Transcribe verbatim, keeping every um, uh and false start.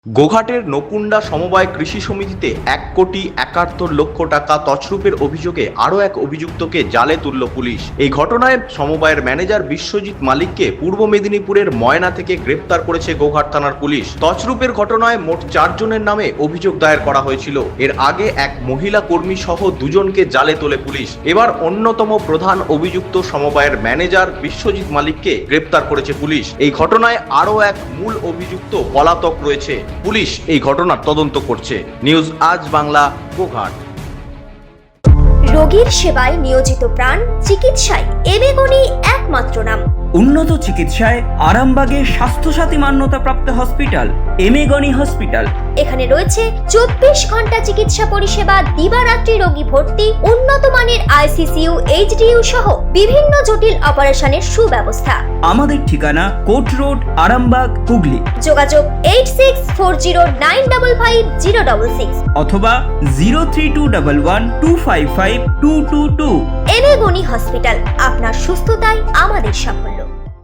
গোঘাটের নকুণ্ডা সমবায় কৃষি সমিতিতে এক কোটি একাত্তর লক্ষ টাকা তছরূপের অভিযোগে আরও এক অভিযুক্তকে জালে তুলল পুলিশ। এই ঘটনায় সমবায়ের ম্যানেজার বিশ্বজিৎ মালিককে পূর্ব মেদিনীপুরের ময়না থেকে গ্রেপ্তার করেছে গোঘাট থানার পুলিশ। তছরূপের ঘটনায় মোট চারজনের নামে অভিযোগ দায়ের করা হয়েছিল। এর আগে এক মহিলা কর্মী সহ দুজনকে জালে তোলে পুলিশ। এবার অন্যতম প্রধান অভিযুক্ত সমবায়ের ম্যানেজার বিশ্বজিৎ মালিককে গ্রেপ্তার করেছে পুলিশ। এই ঘটনায় আরও এক মূল অভিযুক্ত পলাতক রয়েছে। পুলিশ এই ঘটনার তদন্ত করছে। নিউজ আজ বাংলা, গোঘাট। রোগীর সেবায় নিয়োজিত প্রাণ, চিকিৎসায় এবেগুনি একমাত্র নাম। উন্নত চিকিৎসায় আরামবাগে স্বাস্থ্যসাথী মান্যতাপ্রাপ্ত হসপিটাল এমেগনি হসপিটাল। এখানে রয়েছে চব্বিশ ঘন্টা চিকিৎসা পরিষেবা, দিবারাত্রি রোগী ভর্তি, উন্নত মানের আইসিসিইউ, এইচডিইউ সহ বিভিন্ন জটিল অপারেশনের সুব্যবস্থা। আমাদের ঠিকানা কোট রোড, আরামবাগ, হুগলি। যোগাযোগ eight six four zero nine double five zero double six অথবা zero three two double one two five five two two two. এবেগুনি হসপিটাল, আপনার সুস্থতাই আমাদের সাফল্য।